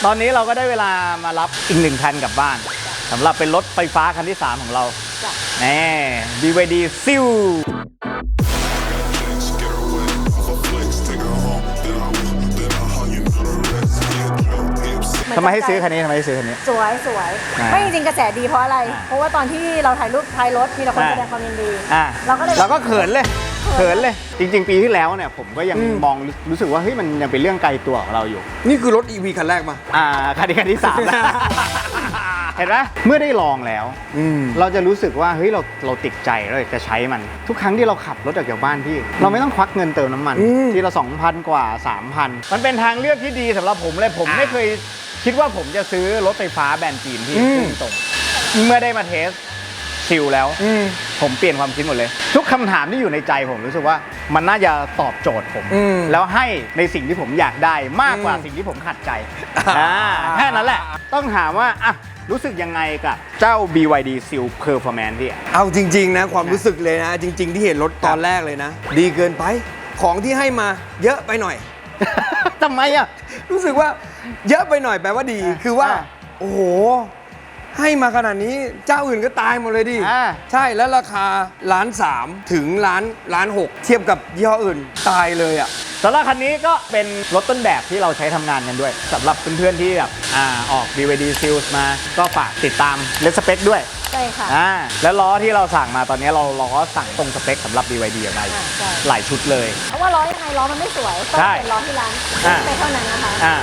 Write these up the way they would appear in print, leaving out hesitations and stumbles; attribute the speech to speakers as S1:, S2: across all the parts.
S1: ตอนนี้เราก็ได้เวลามารับอีก1 คันกลับบ้านสำหรับเป็นรถไฟฟ้าคันที่ 3 ของเราแน่ BYD ซิลทำไมให้ซื้อคันนี้
S2: สวยไม่จริงๆกระแสดีเพราะอะไรเพราะว่าตอนที่เราถ่ายรูปท้ายรถมีแต่คนแสดงความยินดีเราก็
S1: เขินเลยจริงๆปีที่แล้วเนี่ยผมก็ยังมองรู้สึกว่าเฮ้ยมันยังเป็นเรื่องไกลตัวของเราอยู่
S3: นี่คือรถ EV คันแรกมา
S1: คันที่ 3แล้วเห็นไหมเมื่อได้ลองแล้วเราจะรู้สึกว่าเฮ้ยเราติดใจเราอยากจะใช้มันทุกครั้งที่เราขับรถออกจากบ้านพี่เราไม่ต้องควักเงินเติมน้ำมันทีละ 2,000 กว่า 3,000 มันเป็นทางเลือกที่ดีสำหรับผมเลยผมไม่เคยคิดว่าผมจะซื้อรถไฟฟ้าแบรนด์จีนที่ตรงเมื่อได้มาเทสซิลแล้วผมเปลี่ยนความคิดหมดเลยทุกคำถามที่อยู่ในใจผมรู้สึกว่ามันน่าจะตอบโจทย์ผมแล้วให้ในสิ่งที่ผมอยากได้มากกว่าสิ่งที่ผมขัดใจแค่นั้นแหละต้องถามว่ารู้สึกยังไงกับเจ้า BYD Seal Performance พี่
S3: เอาจริงๆนะความรู้สึกเลยนะจริงๆที่เห็นรถตอนแรกเลยนะดีเกินไปของที่ให้มาเยอะไปหน่อย
S1: ทำไมอ่ะ
S3: รู้สึกว่าเยอะไปหน่อยแปลว่าดีคือว่าโอ้โหให้มาขนาดนี้เจ้าอื่นก็ตายหมดเลยดิใช่แล้วราคา1,300,000ถึง1,600,000เทียบกับยี่ห้ออื่นตายเลยอ่ะ
S1: สำหรับคันนี้ก็เป็นรถต้นแบบที่เราใช้ทำงานกันด้วยสำหรับเพื่อนๆที่แบบออก BYD Seal มาก็ฝากติดตามเลสเปคด้วย
S2: ใช่ค่ะ
S1: แล้วล้อที่เราสั่งมาตอนนี้เราล้อสั่งตรงสเปคสำหรับ BYD อะไรหลายชุดเลย
S2: เพราะว่าล้อยังไงล้อมันไม่สวยต้องเป็นล้อที่ร้านไปเท่านั้นนะคะ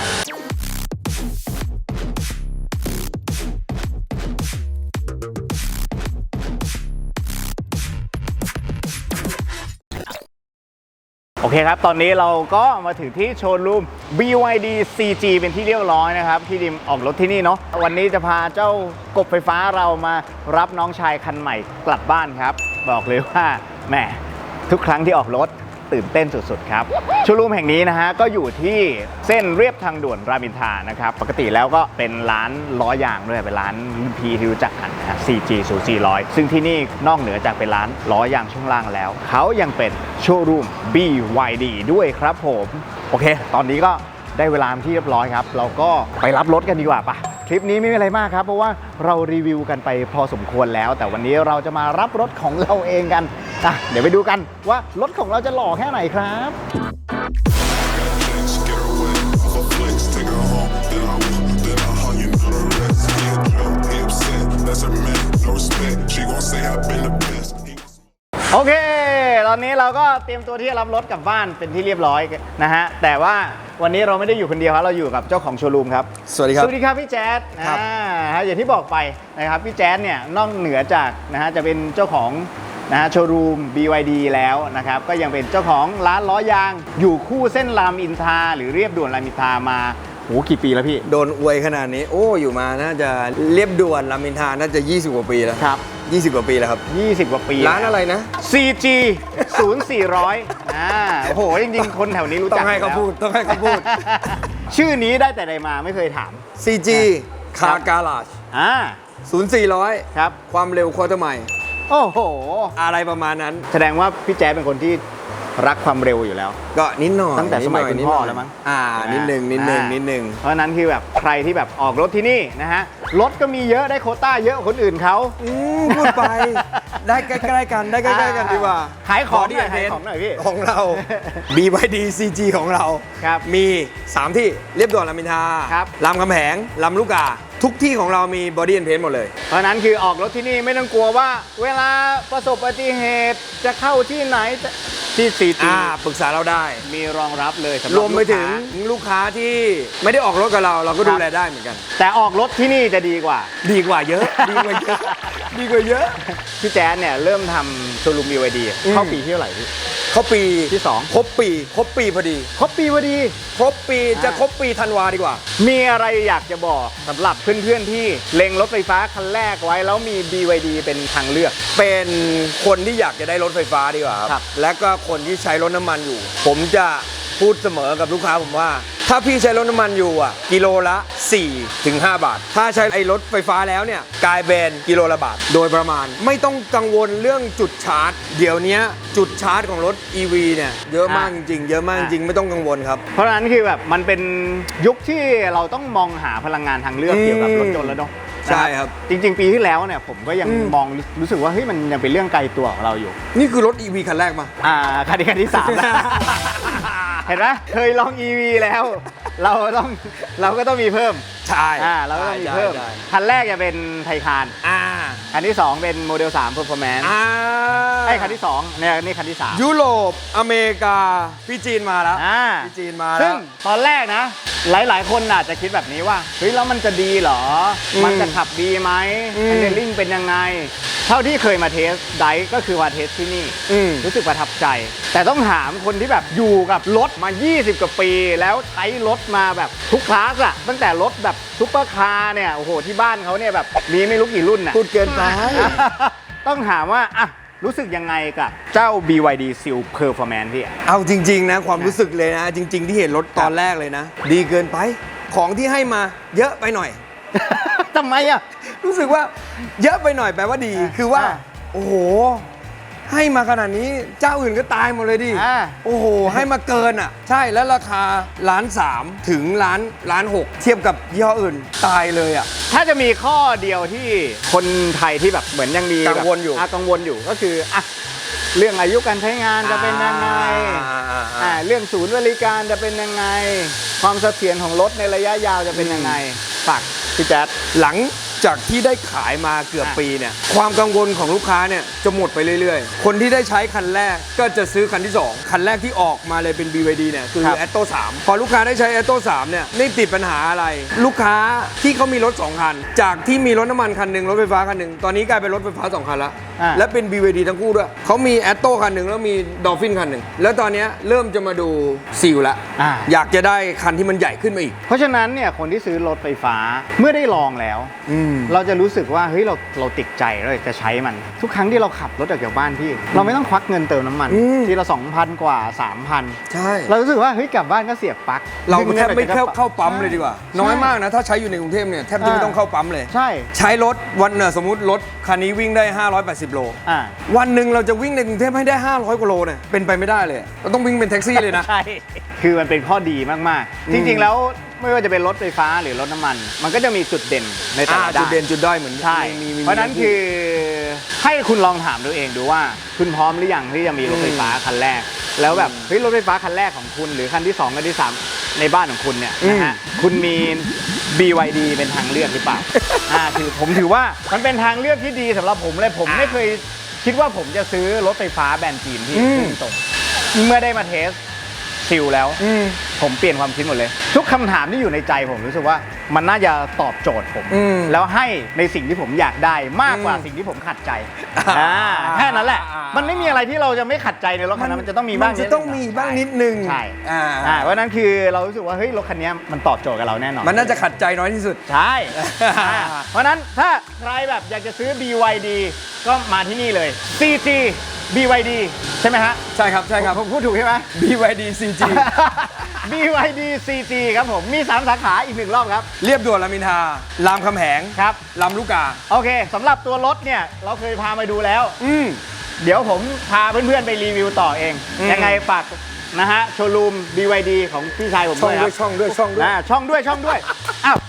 S1: โอเคครับตอนนี้เราก็มาถึงที่โชว์รูม BYD CG เป็นที่เรียบร้อยนะครับที่ดิมออกรถที่นี่เนาะวันนี้จะพาเจ้ากบไฟฟ้าเรามารับน้องชายคันใหม่กลับบ้านครับบอกเลยว่าแหมทุกครั้งที่ออกรถตื่นเต้นสุดๆครับโชว์รูมแห่งนี้นะฮะก็อยู่ที่เส้นเรียบทางด่วนรามอินทรานะครับปกติแล้วก็เป็นร้านล้อยางด้วยเป็นร้านพีที่รู้จักกันนะ CG 0400ซึ่งที่นี่นอกเหนือจากเป็นร้านล้อยางช่วงล่างแล้วเขายังเป็นโชว์รูม BYD ด้วยครับผมโอเคตอนนี้ก็ได้เวลาที่เรียบร้อยครับเราก็ไปรับรถกันดีกว่าปะคลิปนี้ไม่มีอะไรมากครับเพราะว่าเรารีวิวกันไปพอสมควรแล้วแต่วันนี้เราจะมารับรถของเราเองกันเดี๋ยวไปดูกันว่ารถของเราจะหล่อแค่ไหนครับโอเคตอนนี้เราก็เตรียมตัวที่จะรับรถกลับบ้านเป็นที่เรียบร้อยนะฮะแต่ว่าวันนี้เราไม่ได้อยู่คนเดียวครับเราอยู่กับเจ้าของโชว์รูมครับ
S3: สวัสดีครับ
S1: พี่แจ๊ดอย่างที่บอกไปนะครับพี่แจ๊ดเนี่ยนอกเหนือจากนะฮะจะเป็นเจ้าของนะฮะโชว์รูม BYD แล้วนะครับก็ยังเป็นเจ้าของร้านล้อยางอยู่คู่เส้นรามอินทราหรือเรียบด่วนรามอินทรามากี่ปีแล้วพี่
S3: โดนอวยขนาดนี้อยู่มาน่าจะเรียบด่วนรามอินทราน่าจะ20 กว่าปีแล้ว
S1: ครับ
S3: 20 กว่าปีแล้วครับ
S1: 20 กว่าปี
S3: ร้านอะไรนะ
S1: CG 0400โอ้โหจริงๆคนแถวนี้รู้จัก
S3: ต้องให้เขาพูด
S1: ชื่อนี้ได้แต่ใดมาไม่เคยถาม
S3: CG Car Garage 0400
S1: ครับ
S3: ความเร็วควอเตอร์ไมล์
S1: โอ้โห
S3: อะไรประมาณนั้น
S1: แสดงว่าพี่แจ๊ดเป็นคนที่รักความเร็วอยู่แล้ว
S3: ก็นิดหน่อย
S1: ตั้งแต่สมัยคุณพ่อแล้วมั้ง
S3: นิดนึง
S1: เพราะนั้นคือแบบใครที่แบบออกรถที่นี่นะฮะรถก็มีเยอะได้โควต้าเยอะกว่าคนอื่นเขา
S3: พูดไปได้ใกล้ๆกันดีกว่า
S1: ขายของหน่อยพี่
S3: ของเรา BYD CG ของเรามี3ที่เรียบด่วนรามอินทรารามคำแหงลำลูกกาทุกที่ของเรามีบอดี้แอนด์เพนท์หมดเลย
S1: เพราะนั้นคือออกรถที่นี่ไม่ต้องกลัวว่าเวลาประสบอุบัติเหตุจะเข้าที่ไหนที่CG
S3: ปรึกษาเราได้
S1: มีรองรับเลย
S3: รวมไปถึงลูกค้าที่ไม่ได้ออกรถกับเราก็ดูแลได้เหมือนกัน
S1: แต่ออกรถที่นี่จะดีกว่า
S3: เยอะ
S1: พี่แจ๊ดเนี่ยเริ่มทำโชว์รูม BYD เข้าปีที่เท่าไหร่พี่
S3: เข้าปี
S1: ที่2
S3: ครบปีพอดี
S1: ครบปี
S3: จะครบปีธันวาดีกว่า
S1: มีอะไรอยากจะบอกสำหรับเพื่อนๆที่เล็งรถไฟฟ้าคันแรกไว้แล้วมี BYD เป็นทางเลือก
S3: เป็นคนที่อยากจะได้รถไฟฟ้าดีกว่าครับและก็คนที่ใช้รถน้ำมันอยู่ผมจะพูดเสมอกับลูกค้าผมว่าถถ้าพี่ใช้รถน้ำมันอยู่อ่ะกิโลละ4 ถึง 5 บาท ถ้าใช้ไอ้รถไฟฟ้าแล้วเนี่ยกลายเป็นกิโลละบาทโดยประมาณไม่ต้องกังวลเรื่องจุดชาร์จ เดี๋ยวนี้จุดชาร์จของรถ EV เนี่ยเยอะมากจริงๆเยอะมากจริงๆไม่ต้องกังวลครับ
S1: เพราะฉะนั้นคือแบบมันเป็นยุคที่เราต้องมองหาพลังงานทางเลือกเกี่ยวกับรถยนต์แล้วเนาะ
S3: ใช่ครับ
S1: จริงๆปีที่แล้วเนี่ยผมก็ยังมองรู้สึกว่าเฮ้ยมันยังเป็นเรื่องไกลตัวของเราอยู่
S3: นี่คือรถ EV คันแรกมา
S1: คันที่3แล้วเห็นไหมเคยลอง EV แล้วเราก็ต้องมีเพิ่ม
S3: ใช่
S1: เราก็ต้องมีเพิ่มคันแรกจะเป็นไทคานคันที่2เป็นโมเดล3 Performance คันที่2เนี่ยนี่คันที่3
S3: ยุโรปอเมริกาพี่จีนมาแล้วพี่จีนมาแล้ว
S1: ซึ่งตอนแรกนะหลายๆคนอาจจะคิดแบบนี้ว่าเฮ้ยแล้วมันจะดีเหรอมันจะขับดีไหมแฮนเดลลิ่งเป็นยังไงเท่าที่เคยมาเทสไดก็คือมาเทสที่นี่รู้สึกประทับใจแต่ต้องถามคนที่แบบอยู่กับรถมา20 กว่าปีแล้วใช้รถมาแบบทุกคลาสอะตั้งแต่รถแบบซุปเปอร์คาร์เนี่ยโอ้โหที่บ้านเขาเนี่ยแบบมีไม่รู้กี่รุ่นน่ะ
S3: พูดเกินไป
S1: ต้องถามว่าอะรู้สึกยังไงกับเจ้า BYD Seal Performance พี่
S3: เอาจริงๆนะความรู้สึกเลยนะจริงๆที่เห็นรถตอนแรกเลยนะดีเกินไปของที่ให้มาเยอะไปหน่อย
S1: ทำไมอะ
S3: รู้สึกว่าเยอะไปหน่อยแปลว่าดีคือว่าโอ้โหให้มาขนาดนี้เจ้าอื่นก็ตายหมดเลยดิโอ้โหให้มาเกินอ่ะใช่แล้วราคา1.3 ถึง1.6 เทียบกับยี่ห้ออื่นตายเลยอ่ะ
S1: ถ้าจะมีข้อเดียวที่คนไทยที่แบบเหมือนยังมี
S3: กังวลอยู่
S1: ก็คืออะเรื่องอายุการใช้งานจะเป็นยังไงเรื่องศูนย์บริการจะเป็นยังไงความเสถียรของรถในระยะยาวจะเป็นยังไงฝากพี่แจ๊ด
S3: หลังจากที่ได้ขายมาเกือบปีเนี่ยความกังวลของลูกค้าเนี่ยจะหมดไปเรื่อยๆคนที่ได้ใช้คันแรกก็จะซื้อคันที่2คันแรกที่ออกมาเลยเป็น BYD เนี่ยคือ Atto 3พอลูกค้าได้ใช้ Atto 3เนี่ยไม่ติดปัญหาอะไรลูกค้าที่เขามีรถ2คันจากที่มีรถน้ำมันคันหนึ่งรถไฟฟ้าคันหนึ่งตอนนี้กลายเป็นรถไฟฟ้า2คันแล้วและเป็น BYD ทั้งคู่ด้วยเขามี Atto คันหนึ่งแล้วมี Dolphin คันหนึ่งแล้วตอนนี้เริ่มจะมาดูซีลแล้วอยากจะได้คันที่มันใหญ่ขึ้นมาอีก
S1: เพราะฉะนั้นเนี่ยคนที่ซื้อรถไฟฟ้าเมื่อได้ลองแล้วเราจะรู้สึกว่าเฮ้ยเราติดใจเราจะใช้มันทุกครั้งที่เราขับรถออกจากบ้านพี่เราไม่ต้องควักเงินเติมน้ำมันทีละ 2,000 กว่า 3,000
S3: ใช่
S1: เรารู้สึกว่าเฮ้ยกลับบ้านก็เสียบปลั๊ก
S3: เราแทบไม่เข้าปั๊มเลยดีกว่าน้อยมากนะถ้าใช้อยู่ในกรุงเทพเนี่ยแทบจะไม่ต้องเข้าปั๊มเลยใช้รถวันสมมุติรถคันนี้วิ่งได้580 โลวันหนึ่งเราจะวิ่งในกรุงเทพให้ได้500 กว่าโลเนี่ยเป็นไปไม่ได้เลยเราต้องวิ่งเป็นแท็กซี่เลยนะ
S1: ใช่คือมันเป็นข้อดีมากๆจริงๆแล้วไม่ว่าจะเป็นรถไฟฟ้าหรือรถน้ำมันมันก็จะมีจุดเด่นในแต่ละด้าน
S3: จุดเด่นจุดด้อยเหมือน
S1: ใช่เพราะนั้นคือให้คุณลองถามตัวเองดูว่าคุณพร้อมหรือยังที่จะมีรถไฟฟ้าคันแรกแล้วแบบเฮ้ยรถไฟฟ้าคันแรกของคุณหรือคันที่2คันที่3ในบ้านของคุณเนี่ยนะฮะคุณมี BYD เป็นทางเลือกหรือเปล่าคือผมถือว่ามันเป็นทางเลือกที่ดีสำหรับผมเลยผมไม่เคยคิดว่าผมจะซื้อรถไฟฟ้าแบรนด์จีนที่ตรงเมื่อได้มาเทสซิลแล้วผมเปลี่ยนความคิดหมดเลยทุกคำถามที่อยู่ในใจผมรู้สึกว่ามันน่าจะตอบโจทย์ผมแล้วให้ในสิ่งที่ผมอยากได้มากกว่าสิ่งที่ผมขัดใจแค่นั้นแหละมันไม่มีอะไรที่เราจะไม่ขัดใจในรถคันนั้นมันจะต้องมีบ้าง
S3: นิดนึง
S1: ใช่เพราะนั้นคือเรารู้สึกว่าเฮ้ยรถคันนี้มันตอบโจทย์กับเราแน่นอน
S3: มันน่าจะขัดใจน้อยที่สุด
S1: ใช่เพราะนั้นถ้าใครแบบอยากจะซื้อ BYD ก็มาที่นี่เลย CG BYD ใช่ไหมฮะ
S3: ใช่ครับ
S1: ผมพูดถูกใช่ไหม
S3: BYD CG
S1: BYD CG ครับผมมี3สาขาอีก1รอบครับ
S3: เรียบด่วนรามอินทรารามคำแหง
S1: ครับ
S3: ลำลูกกา
S1: โอเคสำหรับตัวรถเนี่ยเราเคยพามาดูแล้วเดี๋ยวผมพาเพื่อนๆไปรีวิวต่อเองยังไงฝากนะฮะโชว์รูม BYD ของพี่ชายผมด้วยครับ
S3: ช่องด้วย
S1: อ้าว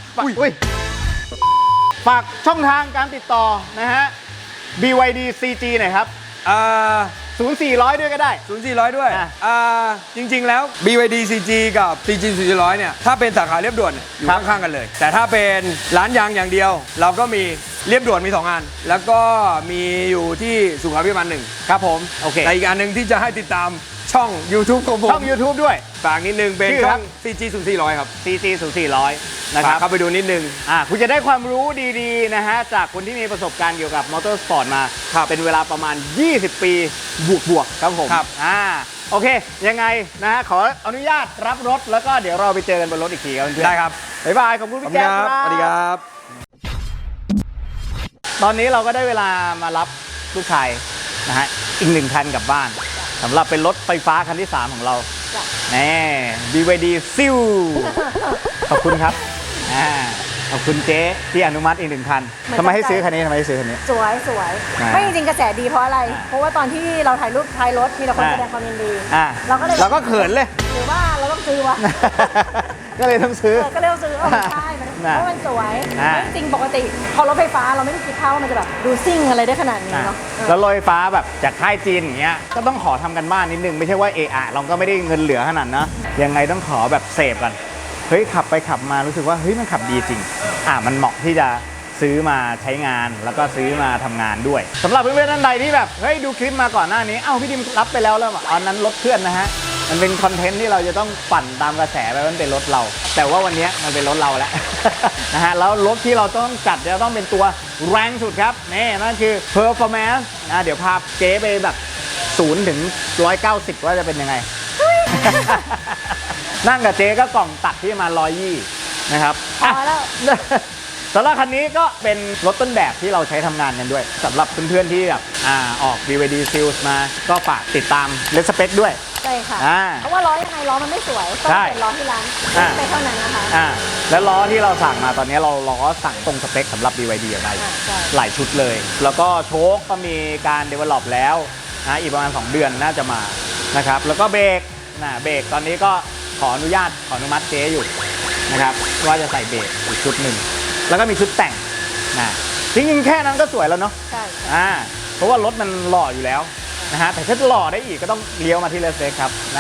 S1: ฝากช่องทางการติดต่อนะฮะ BYD CG หน่อยครับ0400ด้วยก็ได้
S3: 0400ด้วยจริงๆแล้ว BYD CG กับ CG 400เนี่ยถ้าเป็นสาขาเรียบด่วนอยู่ข้างๆกันเลยแต่ถ้าเป็นร้านยางอย่างเดียวเราก็มีเรียบด่วนมี2อันแล้วก็มีอยู่ที่สุขาภิบาล1
S1: ครับผมโอเค
S3: แต่อีกอันนึงที่จะให้ติดตามช่อง YouTube ของผม
S1: ช่อง YouTube ด้วย
S3: ฝากนิดนึงเป็นช่อง CG 0400ครับ
S1: CG 0400นะครับ
S3: เข้าไปดูนิดนึง
S1: คุณจะได้ความรู้ดีๆนะฮะจากคนที่มีประสบการณ์เกี่ยวกับมอเตอร์สปอร์ตมาเป็นเวลาประมาณ20 ปีบวกครับผมโอเคยังไงนะฮะขออนุญาตรับรถแล้วก็เดี๋ยวเราไปเจอกันบนรถอีกทีครับเพื่อน
S3: ได้ครับ
S1: บ๊ายบายขอบคุณพี่แจ๊คครับ
S3: สวัสดีครับ
S1: ตอนนี้เราก็ได้เวลามารับลูกชายนะฮะอีก1คันกลับบ้านสำหรับเป็นรถไฟฟ้าคันที่3ของเรา
S2: จ้ะ
S1: แน่ BYD ซิลขอบคุณครับขอบคุณเจ๊ที่อนุมัติอีก1 คันทำไมให้ซื้อคันนี้ทำไมให้ซื้อคันนี้
S2: สวยสวย
S1: อ่า
S2: ไม่จริงๆกระแสดีเพราะอะไร เพราะว่าตอนที่เราถ่ายรูปท้ายรถมีแต่คนแสดงความยินดี เราก็เลย
S1: เราก็เขินเลย
S2: หรือว่าเราต้องซื้อวะ
S1: ก็เลยต้องซื้อ
S2: ก็เลยต้องซื้อไม่ใช่เพราะมันสวย
S1: อ่า
S2: ไม่จริงปกติพอรถไฟฟ้าเราไม่ได้คิดภาพว่ามันจะแบบดูซิ่งอะไรได้ขนาดนี้เนาะ
S1: แล้วรถไฟฟ้าแบบจากค่ายจีนอย่างเงี้ยก็ต้องขอทำกันบ้านนิดนึงไม่ใช่ว่าเราก็ไม่ได้เงินเหลือขนาดนะยังไงต้องขอแบบเสพกันเฮ้ยขับไปขับมารู้สึกว่าเฮ้ยมันขับดีจริงมันเหมาะที่จะซื้อมาใช้งานแล้วก็ซื้อมาทำงานด้วยสำหรับเพื่อนๆท่านใดที่แบบเฮ้ยดูคลิปมาก่อนหน้านี้พี่ดิมรับไปแล้วอันนั้นรถเพื่อนนะฮะมันเป็นคอนเทนต์ที่เราจะต้องปั่นตามกระแสไปมันเป็นรถเรา แต่ว่าวันนี้มันเป็นรถเราแล้ว นะฮะแล้วรถที่เราต้องจัดจะต้องเป็นตัวแรงสุดครับนี่นั่นคือ performance เดี๋ยวพาเจ๊ไปแบบ0 ถึง 190ว่าจะเป็นยังไง นั่งกับเจ๊ก็กล่องตัดที่มา120นะครับ
S2: พอแล้ว
S1: สำหรับคันนี้ก็เป็นรถต้นแบบที่เราใช้ทำงานกันด้วยสำหรับเพื่อนๆที่แบบออก BYD Seals มาก็ฝากติดตามเลสเปคด้วย
S2: ใช่ค่ะ
S1: อ่า
S2: เพราะว่าล้อยังไงล้อมันไม่สวยต้อง
S1: ใช่
S2: เป็นล้อที่ร้าน
S1: อ่า
S2: ไปเท่านั้นนะคะ
S1: แล้วล้อที่เราสั่งมาตอนนี้เราล้อสั่งตรงสเปคสำหรับ BYD อะไร
S2: ใช่
S1: หลายชุดเลย แล้วก็โชคก็มีการ develop แล้วอีกประมาณ2 เดือนน่าจะมานะครับแล้วก็เบรกเบรกตอนนี้ก็ขออนุมัติเจ๊อยู่นะครับว่าจะใส่เบรกอีกชุดหนึ่งแล้วก็มีชุดแต่งจริงๆแค่นั้นก็สวยแล้วเนาะ
S2: ใช่
S1: เพราะว่ารถมันหล่ออยู่แล้วนะฮะแต่ถ้าหล่อได้อีกก็ต้องเลี้ยวมาที่เลสเซ็กครับนะ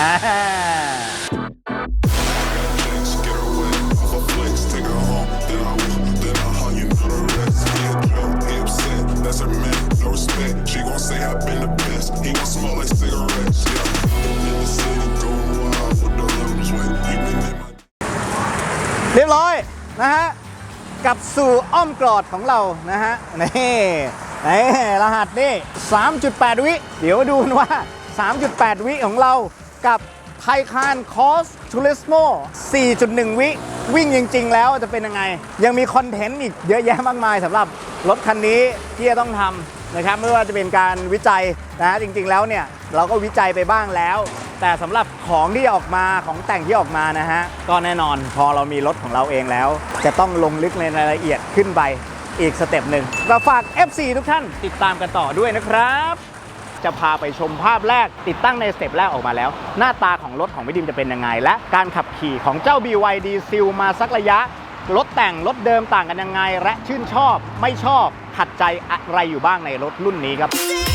S4: Get away, off a flex, take her home, then I hug you, know the rest. Get drunk, he upset, that's her man, no respect. She gon' say I've been the best, he gon' smell like cigarettes, yeah. In the city, going wild with the levels, wait, you been in my
S1: เรียบร้อยนะฮะกลับสู่อ้อมกอดของเรานะฮะนี่รหัสนี่ 3.8 วิเดี๋ยวดูกันว่า 3.8 วิของเรากับไทคานคอสทูริสโม 4.1 วิวิ่งจริงๆแล้วจะเป็นยังไงยังมีคอนเทนต์อีกเยอะแยะมากมายสำหรับรถคันนี้ที่จะต้องทำนะครับไม่ว่าจะเป็นการวิจัยนะฮะจริงๆแล้วเนี่ยเราก็วิจัยไปบ้างแล้วแต่สำหรับของที่ออกมาของแต่งที่ออกมานะฮะก็แน่นอนพอเรามีรถของเราเองแล้วจะต้องลงลึกในรายละเอียดขึ้นไปอีกสเต็ปหนึ่งก็ฝาก FC ทุกท่านติดตามกันต่อด้วยนะครับจะพาไปชมภาพแรกติดตั้งในสเต็ปแรกออกมาแล้วหน้าตาของรถของพี่ดิมจะเป็นยังไงและการขับขี่ของเจ้า BYD Seal มาสักระยะรถแต่งรถเดิมต่างกันยังไงและชื่นชอบไม่ชอบขัดใจอะไรอยู่บ้างในรถรุ่นนี้ครับ